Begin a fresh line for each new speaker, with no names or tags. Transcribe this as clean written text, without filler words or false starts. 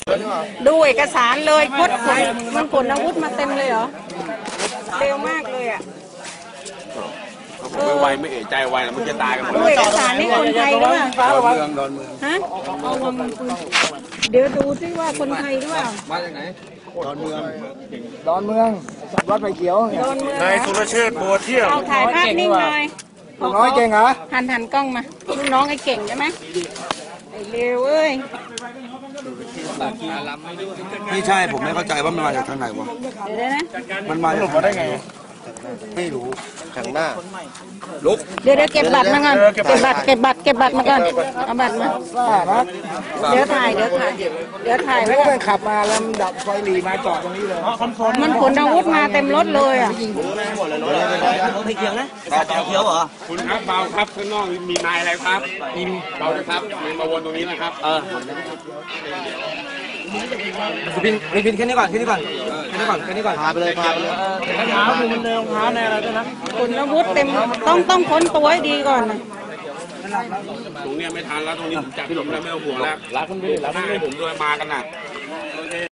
ดูเอกสารเลยคดขนมันขนอาวุธมาเต็มเลยเหรอเร็วมากเลยอ่ะ
ไวไม่เอะใจไวมันจะตายกันหมด
ดูเอกสารนี่คนไทยหรือเปล่า
ดอนเมือง
ฮะเดี๋ยวดูซิว่าคนไทยหรือเปล่า
มาจากไหนดอนเมือง
วัดไผ่เขียว
นายสุรเชษฐ์บัวเที่ยง
เอาถ่ายภาพนิ่งหน่อย
ลูกน้อยเก่งเหรอ
หันกล้องมาลูกน้องไอ้เก่งใช่ไหมไอ้เร็วเอ้ย
ไม่ใช่ผมไม่เข้าใจว่ามันมาจากทางไหนวะ
เดี๋ยวนะ
มันมาจากได้ไงไม่รู้ทางหน้าลุก
เดี๋ยวเก็บบัตรมาก่อนเก็บบัตรมาก่อนเอาบัตรมาเดี๋ยวถ่ายไว้ก่อน
ขับมาแล้วดับไฟหลีมาจอดตรงนี้เลย
มันขนอาวุธมาเต็มรถเลยอ่ะ
ไม่เกี่ยวนะเขียวเหรอ
คุณครับเบาครับข้างนอกมีนายอะไรครับเบานะครับมาวนตรงนี้นะครับ
บินแค่นี้ก่อนพาไปเลยเท้าดูมันเดินเท้าในอะไรด้วยนะ
ขนอาวุธเต็มต้องค้นตัวให้ดีก่อนนะ
ตรงนี้ไม่ทันแล้วตรงนี้ผมจับพี่หลงแล้วไม่เอาห่วงแล้วรักคุณพี่ผมด้วยมากันน่ะ